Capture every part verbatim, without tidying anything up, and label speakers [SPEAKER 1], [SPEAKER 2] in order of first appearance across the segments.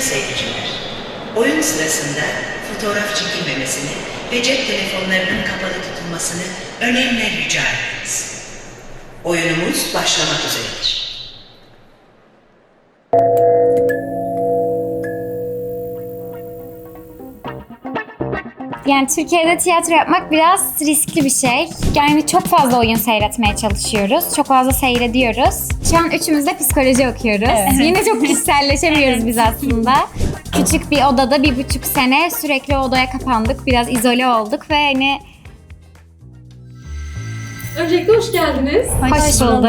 [SPEAKER 1] seyirciler, oyun sırasında fotoğraf çekilmemesini ve cep telefonlarının kapalı tutulmasını önemli rica ederiz. Oyunumuz başlamak üzeredir.
[SPEAKER 2] Yani Türkiye'de tiyatro yapmak biraz riskli bir şey. Yani çok fazla oyun seyretmeye çalışıyoruz. Çok fazla seyrediyoruz. Şu an üçümüz de psikoloji okuyoruz.
[SPEAKER 3] Evet.
[SPEAKER 2] Yine çok kişiselleşemiyoruz
[SPEAKER 3] Evet.
[SPEAKER 2] biz aslında. Küçük bir odada bir buçuk sene sürekli odaya kapandık. Biraz izole olduk ve hani...
[SPEAKER 4] Öncelikle hoş geldiniz.
[SPEAKER 2] Hoş bulduk.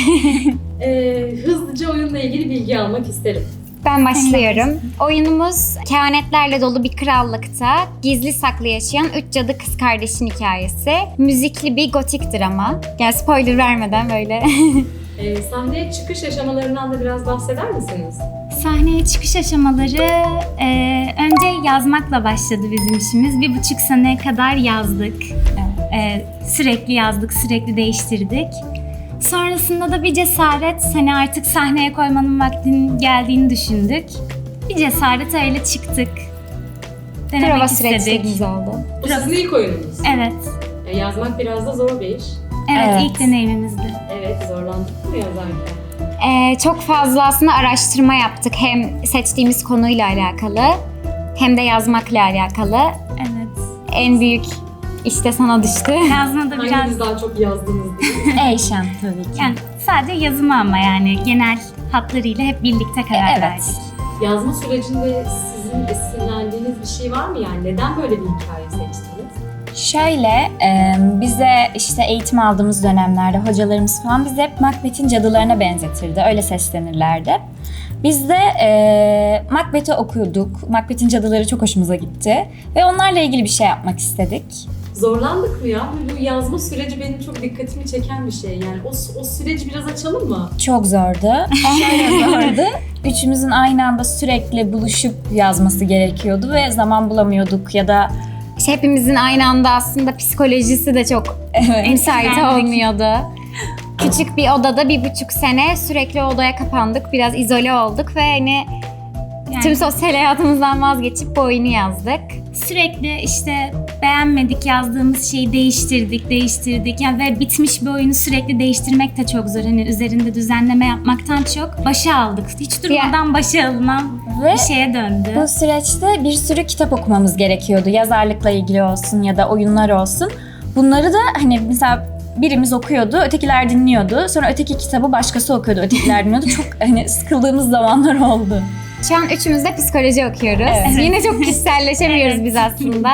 [SPEAKER 4] Ee, hızlıca oyunla ilgili bilgi almak isterim.
[SPEAKER 2] Ben başlıyorum. Oyunumuz kehanetlerle dolu bir krallıkta gizli saklı yaşayan üç cadı kız kardeşin hikayesi. Müzikli bir gotik drama. Yani spoiler vermeden böyle.
[SPEAKER 4] Ee, sahneye çıkış aşamalarından da biraz bahseder misiniz?
[SPEAKER 3] Sahneye çıkış aşamaları e, önce yazmakla başladı bizim işimiz. Bir buçuk sene kadar yazdık. E, sürekli yazdık, sürekli değiştirdik. Sonrasında da bir cesaret, hani artık sahneye koymanın vaktinin geldiğini düşündük. Bir cesaret öyle çıktık. Denemek
[SPEAKER 2] Prova
[SPEAKER 3] istedik.
[SPEAKER 2] süreçlerimiz oldu.
[SPEAKER 4] Bu sizin ilk oyununuz.
[SPEAKER 3] Evet,
[SPEAKER 4] Ee, yazmak biraz da zor bir iş.
[SPEAKER 3] evet,
[SPEAKER 2] Evet.
[SPEAKER 3] ilk deneyimimizdi.
[SPEAKER 4] Evet, zorlandık mı yazarken?
[SPEAKER 2] Ee, çok fazla aslında araştırma yaptık. Hem seçtiğimiz konuyla alakalı hem de yazmakla alakalı.
[SPEAKER 3] Evet.
[SPEAKER 2] En büyük işte sana düştü.
[SPEAKER 3] Yazmada biraz
[SPEAKER 4] Hanginiz daha çok yazdınız diye.
[SPEAKER 3] Eyşan tabii ki. Yani sadece yazımı ama yani genel hatlarıyla hep birlikte karar
[SPEAKER 2] Evet.
[SPEAKER 3] verdik.
[SPEAKER 4] Yazma sürecinde sizin esinlendiğiniz bir şey var mı yani? Neden böyle bir hikaye seçtiniz?
[SPEAKER 5] Şöyle, e, bize işte eğitim aldığımız dönemlerde hocalarımız falan bizi hep Macbeth'in cadılarına benzetirdi, öyle seslenirlerdi. Biz de e, Macbeth'i okuduk, Macbeth'in cadıları çok hoşumuza gitti ve onlarla ilgili bir şey yapmak istedik.
[SPEAKER 4] Zorlandık mı ya? Bu yazma süreci benim çok dikkatimi çeken bir şey. Yani o, o süreci biraz açalım mı?
[SPEAKER 5] Çok zordu, şöyle zordu. Üçümüzün aynı anda sürekli buluşup yazması gerekiyordu ve zaman bulamıyorduk ya da
[SPEAKER 2] İşte hepimizin aynı anda aslında psikolojisi de çok müsait
[SPEAKER 3] Etkilendik.
[SPEAKER 2] olmuyordu. Küçük bir odada bir buçuk sene sürekli odaya kapandık. Biraz izole olduk ve hani
[SPEAKER 3] Yani
[SPEAKER 2] tüm sosyal hayatımızdan vazgeçip bu oyunu yazdık.
[SPEAKER 3] sürekli işte beğenmedik yazdığımız şeyi değiştirdik, değiştirdik. Yani ve bitmiş bir oyunu sürekli değiştirmek de çok zor. Hani üzerinde düzenleme yapmaktan çok başa aldık. Hiç durmadan başa alınan
[SPEAKER 5] Ve
[SPEAKER 3] bir şeye döndü.
[SPEAKER 5] bu süreçte bir sürü kitap okumamız gerekiyordu. Yazarlıkla ilgili olsun ya da oyunlar olsun. Bunları da hani mesela birimiz okuyordu, ötekiler dinliyordu. Sonra öteki kitabı başkası okuyordu, ötekiler dinliyordu. Çok hani sıkıldığımız zamanlar oldu.
[SPEAKER 2] Şu an üçümüz de psikoloji okuyoruz.
[SPEAKER 5] Evet.
[SPEAKER 2] Yine çok kişiselleşemiyoruz
[SPEAKER 3] Evet.
[SPEAKER 2] biz aslında.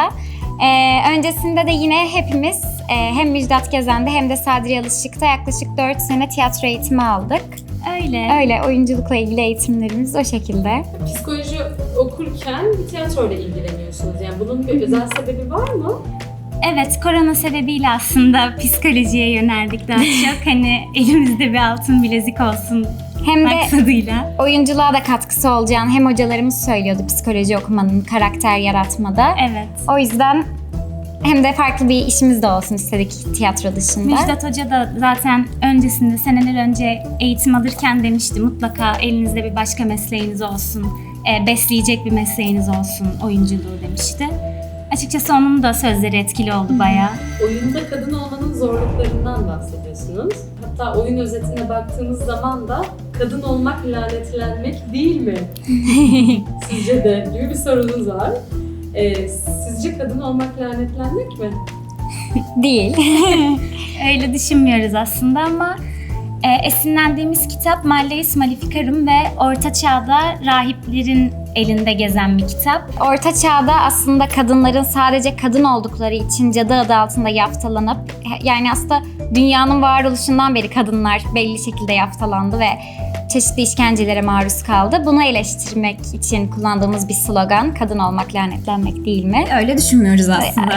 [SPEAKER 2] Ee, öncesinde de yine hepimiz e, hem Müjdat Gezen'de hem de Sadri Alışık'ta yaklaşık dört sene tiyatro eğitimi aldık.
[SPEAKER 3] Öyle.
[SPEAKER 2] Öyle oyunculukla ilgili eğitimlerimiz o şekilde.
[SPEAKER 4] Psikoloji okurken bir tiyatroyla ilgileniyorsunuz. Yani bunun bir özel sebebi var mı?
[SPEAKER 3] Evet, korona sebebiyle aslında psikolojiye yöneldik daha çok. Hani elimizde bir altın bilezik olsun
[SPEAKER 2] Hem de
[SPEAKER 3] maksadıyla.
[SPEAKER 2] oyunculuğa da katkısı olacağını hem hocalarımız söylüyordu psikoloji okumanın karakter yaratmada.
[SPEAKER 3] Evet.
[SPEAKER 2] O yüzden hem de farklı bir işimiz de olsun istedik tiyatro dışında.
[SPEAKER 3] Müjdat Hoca da zaten öncesinde, seneler önce eğitim alırken demişti mutlaka elinizde bir başka mesleğiniz olsun, e, besleyecek bir mesleğiniz olsun oyunculuğu demişti. Açıkçası onun da sözleri etkili oldu bayağı.
[SPEAKER 4] Oyunda kadın olmanın zorluklarından bahsediyorsunuz. Hatta oyun özetine baktığımız zaman da kadın olmak lanetlenmek değil mi? Sizce de gibi bir sorunuz var. Ee, sizce kadın olmak lanetlenmek mi?
[SPEAKER 2] Değil.
[SPEAKER 3] Öyle düşünmüyoruz aslında ama e, esinlendiğimiz kitap Malleus Maleficarum ve Orta Çağ'da rahiplerin elinde gezen bir kitap.
[SPEAKER 2] Orta Çağ'da aslında kadınların sadece kadın oldukları için cadı adı altında yaftalanıp, yani aslında dünyanın varoluşundan beri kadınlar belli şekilde yaftalandı ve çeşitli işkencelere maruz kaldı. Bunu eleştirmek için kullandığımız bir slogan, kadın olmak lanetlenmek değil mi?
[SPEAKER 5] Öyle düşünmüyoruz aslında.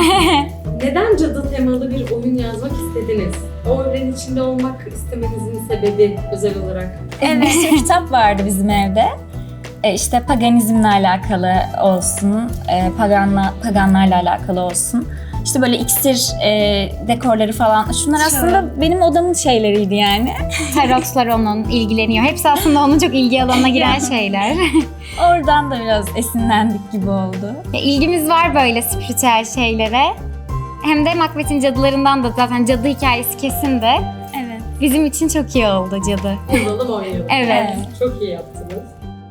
[SPEAKER 4] Neden cadı temalı bir oyun yazmak istediniz? O evrenin içinde olmak istemenizin sebebi özel olarak.
[SPEAKER 5] Bir sürü kitap vardı bizim evde. E işte paganizmle alakalı olsun, e, paganla, paganlarla alakalı olsun. İşte böyle iksir e, dekorları falan. Şunlar aslında benim odamın şeyleriydi yani.
[SPEAKER 2] Tarotlar onun ilgileniyor. Hepsi aslında onun çok ilgi alanına giren şeyler.
[SPEAKER 5] Oradan da biraz esinlendik gibi oldu.
[SPEAKER 2] Ya, İlgimiz var böyle spiritüel şeylere. Hem de Macbeth'in cadılarından da zaten cadı hikayesi kesin de
[SPEAKER 3] Evet.
[SPEAKER 2] bizim için çok iyi oldu cadı.
[SPEAKER 4] Yazalım oynayalım.
[SPEAKER 2] Evet.
[SPEAKER 4] Çok iyi yaptınız.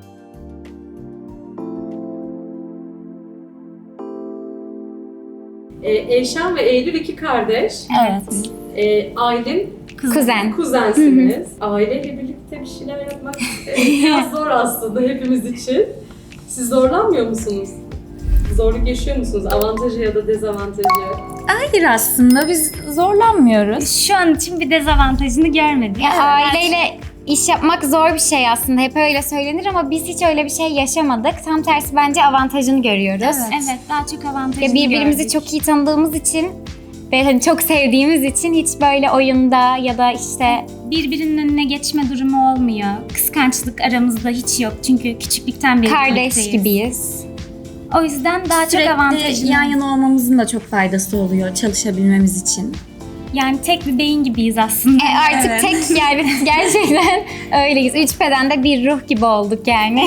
[SPEAKER 4] Ee, Eyşan ve Eylül iki kardeş.
[SPEAKER 5] Evet.
[SPEAKER 4] Ee, Aylin
[SPEAKER 2] Kuzen.
[SPEAKER 4] kuzensiniz. Aileyle birlikte bir şeyler yapmak e, biraz zor aslında hepimiz için. Siz zorlanmıyor musunuz? Zorluk yaşıyor musunuz? Avantajı ya da dezavantajı?
[SPEAKER 5] Hayır, aslında biz zorlanmıyoruz.
[SPEAKER 3] Şu an için bir dezavantajını görmedik.
[SPEAKER 2] Ya, aileyle iş yapmak zor bir şey aslında. Hep öyle söylenir ama biz hiç öyle bir şey yaşamadık. Tam tersi bence avantajını görüyoruz.
[SPEAKER 3] Evet, evet daha çok avantajını
[SPEAKER 2] Ya birbirimizi
[SPEAKER 3] gördük.
[SPEAKER 2] çok iyi tanıdığımız için ve hani çok sevdiğimiz için hiç böyle oyunda ya da işte
[SPEAKER 3] Birbirinin önüne geçme durumu olmuyor. Kıskançlık aramızda hiç yok çünkü küçüklükten beri
[SPEAKER 2] kardeş
[SPEAKER 3] birlikteyiz.
[SPEAKER 2] gibiyiz.
[SPEAKER 3] O yüzden daha çok avantajını.
[SPEAKER 5] Sürekli yan yana olmamızın da çok faydası oluyor çalışabilmemiz için.
[SPEAKER 3] Yani tek bir beyin gibiyiz aslında.
[SPEAKER 2] E artık
[SPEAKER 5] Evet.
[SPEAKER 2] tek yani gerçekten öyleyiz. Üç bedende bir ruh gibi olduk yani.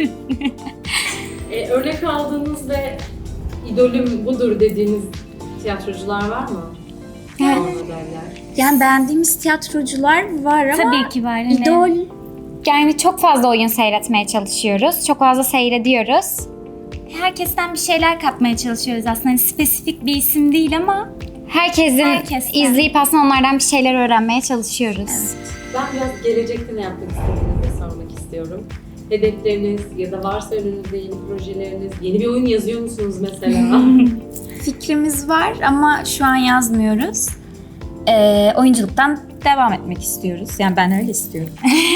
[SPEAKER 4] Ee, örnek aldığınız ve idolüm budur dediğiniz tiyatrocular var mı?
[SPEAKER 2] Evet.
[SPEAKER 4] Rol modeller.
[SPEAKER 5] Yani beğendiğimiz tiyatrocular var ama
[SPEAKER 3] Tabii ki var. Hani
[SPEAKER 5] idol
[SPEAKER 2] Yani çok fazla oyun seyretmeye çalışıyoruz. Çok fazla seyrediyoruz.
[SPEAKER 3] herkesten bir şeyler kapmaya çalışıyoruz aslında. Hani spesifik bir isim değil ama
[SPEAKER 2] Herkesin
[SPEAKER 3] Herkesten.
[SPEAKER 2] izleyip aslında onlardan bir şeyler öğrenmeye çalışıyoruz.
[SPEAKER 4] Ben biraz gelecekte ne yapmak istediğinizi sormak istiyorum. Hedefleriniz ya da varsa önünüzde yeni projeleriniz, yeni bir oyun yazıyor musunuz mesela?
[SPEAKER 5] fikrimiz var ama şu an yazmıyoruz. Ee, oyunculuktan devam etmek istiyoruz. Yani ben öyle istiyorum.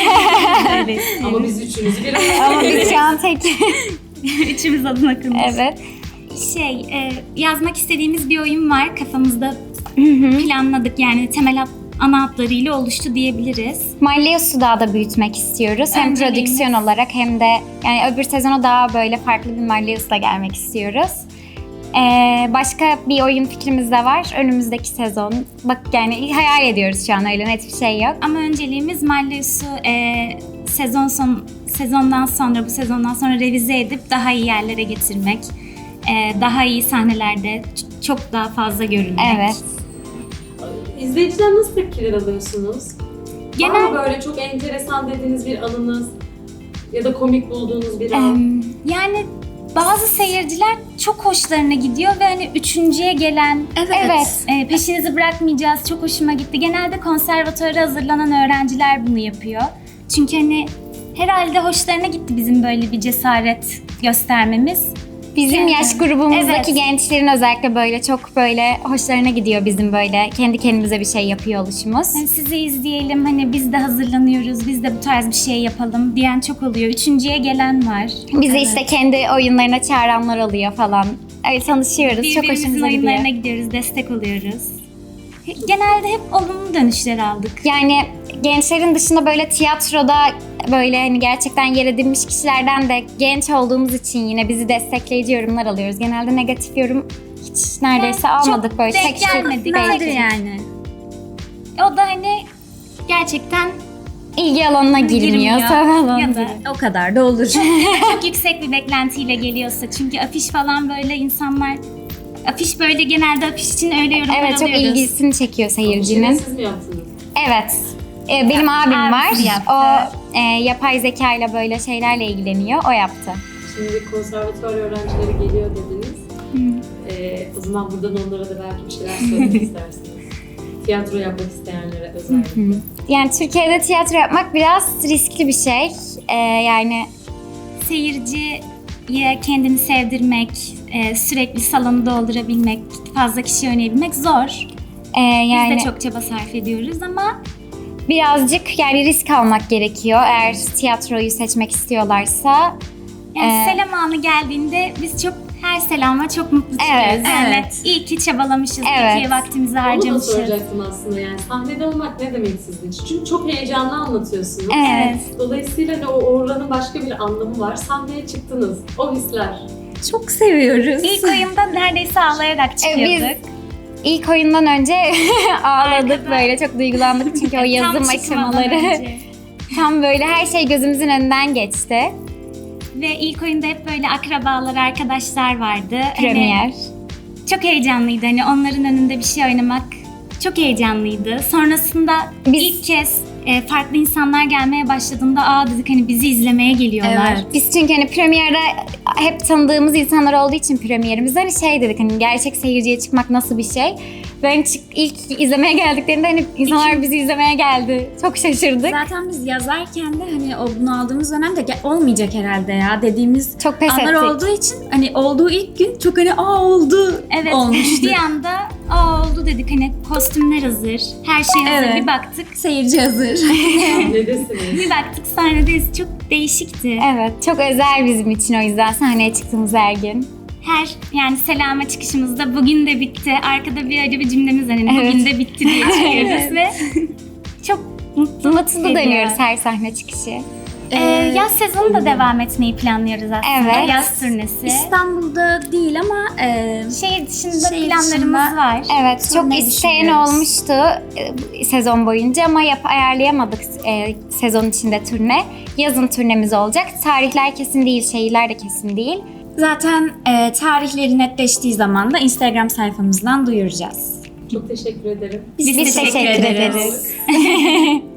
[SPEAKER 4] Ama biz üçünüzü bir
[SPEAKER 2] Ama biz şu an tek...
[SPEAKER 3] üçümüz adına konuşuyoruz.
[SPEAKER 2] evet.
[SPEAKER 3] Şey, e, yazmak istediğimiz bir oyun var kafamızda planladık yani temel hat, ana hatlarıyla oluştu diyebiliriz.
[SPEAKER 2] Malleus'u daha da büyütmek istiyoruz. Hem
[SPEAKER 3] Önceliğimiz-
[SPEAKER 2] prodüksiyon olarak hem de yani öbür sezona daha böyle farklı bir Malleus'la gelmek istiyoruz. Ee, başka bir oyun fikrimiz de var. Önümüzdeki sezon. Bak yani hayal ediyoruz şu an, öyle net bir şey yok.
[SPEAKER 3] Ama önceliğimiz Malleus'u e, sezon son sezondan sonra bu sezondan sonra revize edip daha iyi yerlere getirmek. E, daha iyi sahnelerde ç- çok daha fazla görünmek.
[SPEAKER 2] Evet.
[SPEAKER 4] İzleyiciden nasıl tepkiler alıyorsunuz? Genel... Var
[SPEAKER 3] Genel
[SPEAKER 4] mı böyle çok enteresan dediğiniz bir anınız ya da komik bulduğunuz bir an?
[SPEAKER 3] Em, yani bazı seyirciler çok hoşlarına gidiyor ve hani üçüncüye gelen
[SPEAKER 2] Evet.
[SPEAKER 3] e, peşinizi bırakmayacağız çok hoşuma gitti. Genelde konservatuvara hazırlanan öğrenciler bunu yapıyor. Çünkü hani herhalde hoşlarına gitti bizim böyle bir cesaret göstermemiz.
[SPEAKER 2] Bizim
[SPEAKER 3] Evet.
[SPEAKER 2] yaş grubumuzdaki
[SPEAKER 3] Evet.
[SPEAKER 2] gençlerin özellikle böyle çok böyle hoşlarına gidiyor bizim böyle kendi kendimize bir şey yapıyor oluşumuz.
[SPEAKER 3] Yani sizi izleyelim hani biz de hazırlanıyoruz, biz de bu tarz bir şey yapalım diyen çok oluyor. Üçüncüye gelen var.
[SPEAKER 2] Bizi
[SPEAKER 3] Evet.
[SPEAKER 2] işte kendi oyunlarına çağıranlar oluyor falan. Öyle tanışıyoruz. Çok
[SPEAKER 3] Birbirimizin
[SPEAKER 2] hoşumuza gidiyor.
[SPEAKER 3] oyunlarına gidiyoruz, destek oluyoruz. Genelde hep olumlu dönüşler aldık.
[SPEAKER 2] Yani gençlerin dışında böyle tiyatroda böyle hani gerçekten yer edinmiş kişilerden de genç olduğumuz için yine bizi destekleyici yorumlar alıyoruz. Genelde negatif yorum hiç neredeyse
[SPEAKER 3] Yani çok
[SPEAKER 2] almadık böyle.
[SPEAKER 3] denk
[SPEAKER 2] Tek tük
[SPEAKER 3] gelmedik.
[SPEAKER 2] belki.
[SPEAKER 3] Nadir
[SPEAKER 5] yani.
[SPEAKER 3] O da hani gerçekten
[SPEAKER 2] İlgi alanına girmiyor.
[SPEAKER 3] Girmiyor.
[SPEAKER 2] Sanat alanına
[SPEAKER 3] ya da
[SPEAKER 2] giriyor.
[SPEAKER 5] O kadar da olur.
[SPEAKER 3] çok yüksek bir beklentiyle geliyorsa. Çünkü afiş falan böyle insanlar afiş böyle genelde afiş için öyle yorumlar
[SPEAKER 2] Evet, çok
[SPEAKER 3] alıyoruz.
[SPEAKER 2] ilgisini çekiyor
[SPEAKER 4] Şeyi
[SPEAKER 2] seyircinin.
[SPEAKER 4] siz mi yaptınız?
[SPEAKER 2] Evet. Ee, benim abim var.
[SPEAKER 3] Abisi yaptı.
[SPEAKER 2] O e, yapay zeka ile böyle şeylerle ilgileniyor. O yaptı.
[SPEAKER 4] Şimdi konservatuvar öğrencileri geliyor dediniz. Ee, o zaman buradan onlara da belki bir şeyler söylemek istersiniz. Tiyatro yapmak isteyenlere özellikle.
[SPEAKER 2] Yani Türkiye'de tiyatro yapmak biraz riskli bir şey. Ee, yani
[SPEAKER 3] Seyirciye kendini sevdirmek, e, sürekli salonu doldurabilmek, fazla kişi oynayabilmek zor.
[SPEAKER 2] e, yani
[SPEAKER 3] Biz de çok çaba sarf ediyoruz ama
[SPEAKER 2] birazcık yani risk almak gerekiyor eğer tiyatroyu seçmek istiyorlarsa.
[SPEAKER 3] yani
[SPEAKER 2] Ee,
[SPEAKER 3] selam anı geldiğinde biz çok her selama çok mutlu çıkıyoruz.
[SPEAKER 2] Evet,
[SPEAKER 3] yani
[SPEAKER 5] evet.
[SPEAKER 3] iyi ki çabalamışız,
[SPEAKER 2] Evet.
[SPEAKER 3] iyi ki vaktimizi
[SPEAKER 4] Onu da
[SPEAKER 3] harcamışız.
[SPEAKER 4] soracaktım aslında yani. Sahnede olmak ne demek sizin için? Çünkü çok heyecanlı anlatıyorsunuz.
[SPEAKER 2] Evet.
[SPEAKER 4] Dolayısıyla hani o oranın başka bir anlamı var. Sahneye çıktınız. O hisler.
[SPEAKER 5] Çok seviyoruz.
[SPEAKER 3] İlk oyunda neredeyse ağlayarak
[SPEAKER 2] E,
[SPEAKER 3] çıkıyorduk.
[SPEAKER 2] biz İlk oyundan önce ağladık
[SPEAKER 3] Arkada.
[SPEAKER 2] böyle, çok duygulandık çünkü o yazım
[SPEAKER 3] Tam çıkmadan
[SPEAKER 2] aşamaları
[SPEAKER 3] önce.
[SPEAKER 2] tam böyle her şey gözümüzün önünden geçti.
[SPEAKER 3] Ve ilk oyunda hep böyle akrabalar, arkadaşlar vardı.
[SPEAKER 2] Premier.
[SPEAKER 3] Hani çok heyecanlıydı. Hani onların önünde bir şey oynamak çok heyecanlıydı. Sonrasında
[SPEAKER 2] Biz-
[SPEAKER 3] ilk kez e, farklı insanlar gelmeye başladığında aa dedik hani bizi izlemeye geliyorlar.
[SPEAKER 5] Evet.
[SPEAKER 2] Biz çünkü hani premierde hep tanıdığımız insanlar olduğu için premierimizde hani şey dedik, hani gerçek seyirciye çıkmak nasıl bir şey. Ben çık, ilk izlemeye geldiklerinde hani insanlar bizi izlemeye geldi. Çok şaşırdık.
[SPEAKER 5] Zaten biz yazarken de hani o bunu aldığımız dönemde "Ge- olmayacak herhalde ya" dediğimiz
[SPEAKER 2] Çok pes
[SPEAKER 5] anlar
[SPEAKER 2] ettik.
[SPEAKER 5] olduğu için hani olduğu ilk gün çok hani aa oldu
[SPEAKER 3] Evet.
[SPEAKER 5] olmuştu.
[SPEAKER 3] Bir anda aa oldu dedik hani kostümler hazır, her şey hazır.
[SPEAKER 5] Evet.
[SPEAKER 3] Bir baktık,
[SPEAKER 5] Seyirci hazır.
[SPEAKER 4] Neredesiniz?
[SPEAKER 3] bir baktık sahnedeyiz. Çok değişikti.
[SPEAKER 2] Evet, çok özel bizim için o yüzden sahneye çıktığımız her gün.
[SPEAKER 3] Her yani selama çıkışımızda bugün de bitti. Arkada bir acı bir cümlemiz var. Hani
[SPEAKER 2] Evet.
[SPEAKER 3] bugün de bitti diye çıkıyoruz ve çok mutlu
[SPEAKER 2] Mutlu
[SPEAKER 3] ediyor.
[SPEAKER 2] dönüyoruz her sahne çıkışı.
[SPEAKER 3] Ee, yaz sezonu da devam etmeyi planlıyoruz aslında.
[SPEAKER 2] Evet.
[SPEAKER 3] Yaz turnesi.
[SPEAKER 5] İstanbul'da değil ama e,
[SPEAKER 3] Şehir dışında
[SPEAKER 5] Şehir
[SPEAKER 3] planlarımız
[SPEAKER 5] dışında-
[SPEAKER 3] var.
[SPEAKER 2] Evet, çok
[SPEAKER 5] Turneyi
[SPEAKER 2] isteyen
[SPEAKER 5] düşünüyoruz.
[SPEAKER 2] olmuştu e, sezon boyunca ama yap ayarlayamadık e, sezon içinde turne. Yazın turnemiz olacak. Tarihler kesin değil, şehirler de kesin değil.
[SPEAKER 5] zaten e, tarihleri netleştiği zaman da Instagram sayfamızdan duyuracağız.
[SPEAKER 4] Çok teşekkür ederim.
[SPEAKER 3] Biz,
[SPEAKER 2] Biz teşekkür ederiz.